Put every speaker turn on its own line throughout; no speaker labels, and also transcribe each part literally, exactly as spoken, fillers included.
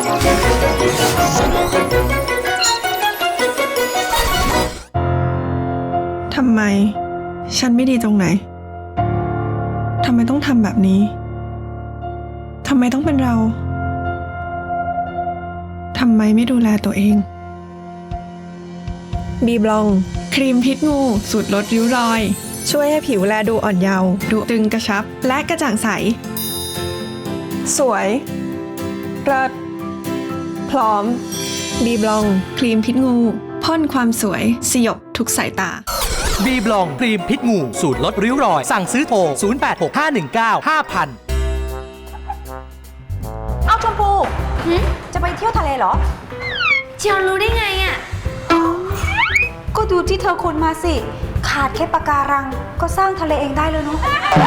ทำไมฉันไม่ดีตรงไหนทำไมต้องทำแบบนี้ทำไมต้องเป็นเราทำไมไม่ดูแลตัวเองบีบลองครีมพิษงูสูตรลดริ้วรอยช่วยให้ผิวแลดูอ่อนเยาว์ดูตึงกระชับและกระจ่างใสสวยเลิศพร้อมบีบลองครีมพิษงูพ่นความสวยสยบทุกสายตา
บีบลองครีมพิษงูสูตรลดริ้วรอยสั่งซื้อโทรศูนย์ แปด หก ห้า หนึ่ง เก้า ห้า ศูนย์ ศูนย์
เอาชมพูจะไปเที่ยวทะเลเหรอ
เจียวรู้ได้ไงอ่ะ
ก็ดูที่เธอคนมาสิขาดแค่ปะการังก็สร้างทะเลเองได้เลยเนาะ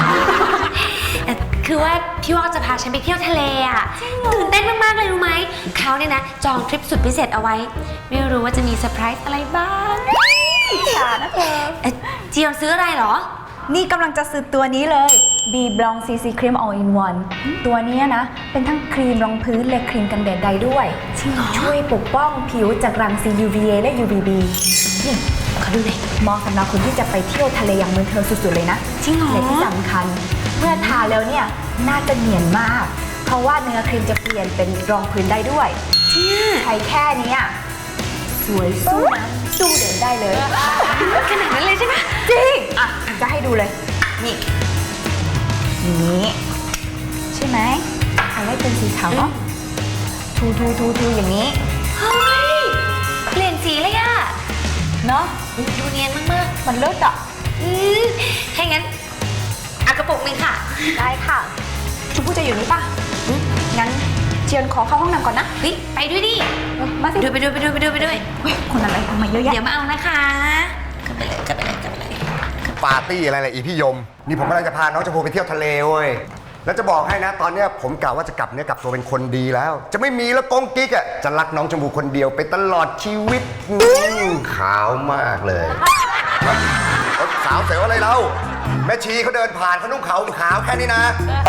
คือว่าพี่ว่าจะพาฉันไปเที่ยวทะเลอ่ะตื่นเต้นมากๆเลยรู้ไหมเขาเนี่ยนะจองทริปสุดพิเศษเอาไว้ไม่รู้ว่าจะมีเซอร์ไพรส์อะไรบ้าง
ฉานะเธอ
เจียวซื้ออะไรเหรอ
นี่กำลังจะซื้อตัวนี้เลย B Blanc ซี ซี Cream All in One ตัวนี้นะเป็นทั้งครีมรองพื้นและครีมกันแดดได้ด้วยช่วยปกป้องผิวจากรังสี ยู วี เอ และ ยู วี บี นี่ขอดูหน่อยเหมาะสำหรับคนที่จะไปเที่ยวทะเลอย่างเมืองเธอสุดๆเลยนะ
จริงเหรอ
และที่สำคัญเมื่อทาแล้วเนี่ยน่าจะเนียนมากเพราะว่าเนื้อครีมจะเปลี่ยนเป็นรองพื้นได้ด้วยใช้แค่นี้สวยสู้นะสู้เดินได้เลย
ขนาดนั้นเลยใช่ไหม
จริงอ่ะจะให้ดูเลยนี่นี่ใช่ไหมเอาไว้เป็นสีขาวเนาะทูทูทูทูอย่างนี้
เฮ้ยเปลี่ยนสีเลยอะ
เนาะ
ดูเนียนมาก
ๆมันเลิศอ่ะ
อืมถ้างั้นเอากระปุกหนึ่งค่ะ
ได้ค่ะชมพู่จะอยู่นี่ป่ะงั้นเจียนขอเข้าห้องน้ำก่อนนะ
เฮ้ยไปด้วยดิ
มาสิ
ไปด้วยไปด้วยไปด้วยไปด้วย
เฮ้ยคนอะไรทำไมเยอะแยะ
เดี๋ยวมาเอานะคะกลับไปเลยกลับไปเลยกลับไปเลย
ปาร์ตี้อะไรล่ะอีพี่ยมนี่ผมกำลังจะพาน้องชมพูไปเที่ยวทะเลเว้ยแล้วจะบอกให้นะตอนนี้ผมกะว่าจะกลับเนื้อกลับตัวเป็นคนดีแล้วจะไม่มีแล้วกงกิ๊กอ่ะจะรักน้องชมพูคนเดียวไปตลอดชีวิตขาวมากเลยสาวเสียวอะไรเราแม่ชีเขาเดินผ่านเขานุ่งขาวขาวแค่นี้นะ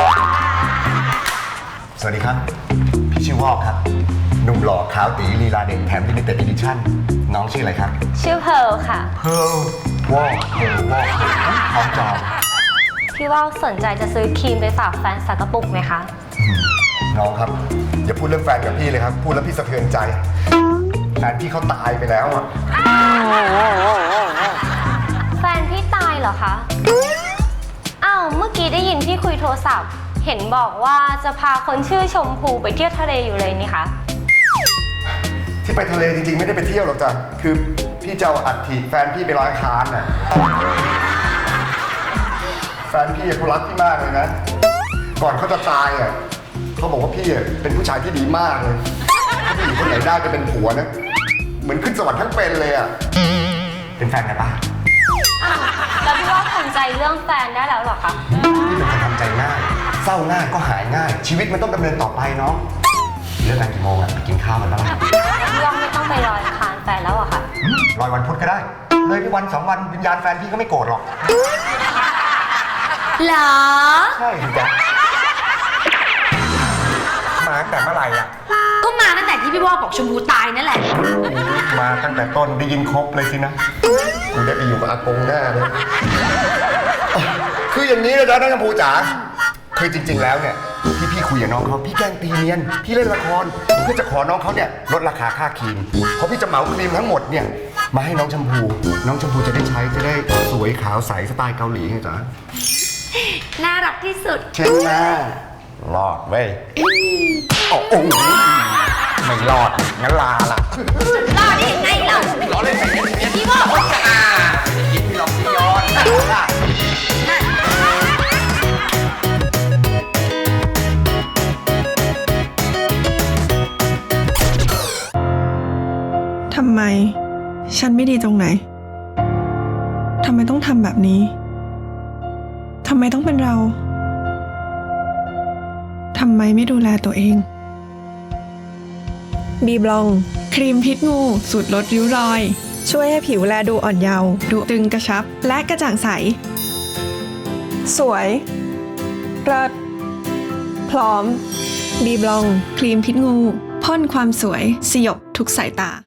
สวัสดีครับพี่ชื่อวอกครับหนุ่มหล่อขาวตีลีลาเด่นแถมลิมิเต็ดอีดิชั่นน้องชื่ออะไรครับ
ชื่อเพิร์ลค่ะ
เพิร์ลวอกเพิร์ลวอกพร้อมจอง
พี่ว่าสนใจจะซื้อครีมไปฝากแฟนสักกระปุกไหมคะ
น้องครับอย่าพูดเรื่องแฟนกับพี่เลยครับพูดแล้วพี่สะเทือนใจแฟนพี่เขาตายไปแล้วอะ
แฟนพี่ตายเหรอคะอ้าวเมื่อกี้ได้ยินพี่คุยโทรศัพท์เห็นบอกว่าจะพาคนชื่อชมพูไปเที่ยวทะเลอยู่เลยนี่คะ
ที่ไปทะเลจริงๆไม่ได้ไปเที่ยวหรอกจ้ะคือพี่จะเอาอัฐิแฟนพี่ไปลอยคานน่ะแฟนพี่เขารักพี่มากเลยนะก่อนเขาจะตายอ่ะเขาบอกว่าพี่เป็นผู้ชายที่ดีมากเลยถ้าผู้หญิงคนไหนได้จะเป็นผัวนะเหมือนขึ้นสวรรค์ทั้งเป็นเลยอ่ะเป็นแฟนกันปะ
แล้วพี่ว่าทำใจเรื่องแฟนได้แล้วหรอคะ
พี่เป็นคนทำใจง่ายเศร้าง่ายก็หายง่ายชีวิตมันต้องดำเนินต่อไปเนาะเลิกงานกี่โมงอ่ะกินข้าวกันแล้ว
พี่ว่าไม่ต้องไปลอยคานแฟนแล้วอะค่ะ
ลอยวันพุธก็ได้เลยไปวันสองวันวิญญาณแฟนพี่ก็ไม่โกรธหรอก
เหรอ
ใช่จ้ะมาตั้งแต่เมื่อไหร่อ่ะ
ก็มาตั้งแต่ที่พี่วอกบอกชมพูตายนั่นแหละ
มาตั้งแต่ต้นได้ยินครบเลยสินะกูได้ไปอยู่กับอากงแน่เลยคืออย่างนี้นะจ๊ะน้องชมพูจ๋าคือจริงๆแล้วเนี่ยที่พี่คุยกับน้องเขาพี่แกล้งตีเนียนพี่เล่นละครเพื่อจะขอน้องเขาเนี่ยลดราคาค่าครีมเพราะพี่จะเหมาครีมทั้งหมดเนี่ยมาให้น้องชมพูน้องชมพูจะได้ใช้จะได้สวยขาวใสสไตล์เกาหลีไงจ๊ะ
น่ารักที่สุด
เช่นแม่รอดเว้ยโอ้โหไม่รอดงั้นลาล่ะ
รอดได้ยังไงเรา
รอเล่นสิ
พี่ว่า
อ่ากินพี่หลอกพี่ย้อน
ทำไมฉันไม่ดีตรงไหนทำไมต้องทำแบบนี้ทำไมต้องเป็นเราทำไมไม่ดูแลตัวเองบีบลองครีมพิษงูสูตรลดริ้วรอยช่วยให้ผิวแลดูอ่อนเยาว์ดูตึงกระชับและกระจ่างใสสวยเลิศพร้อมบีบลองครีมพิษงูพ่นความสวยสยบทุกสายตา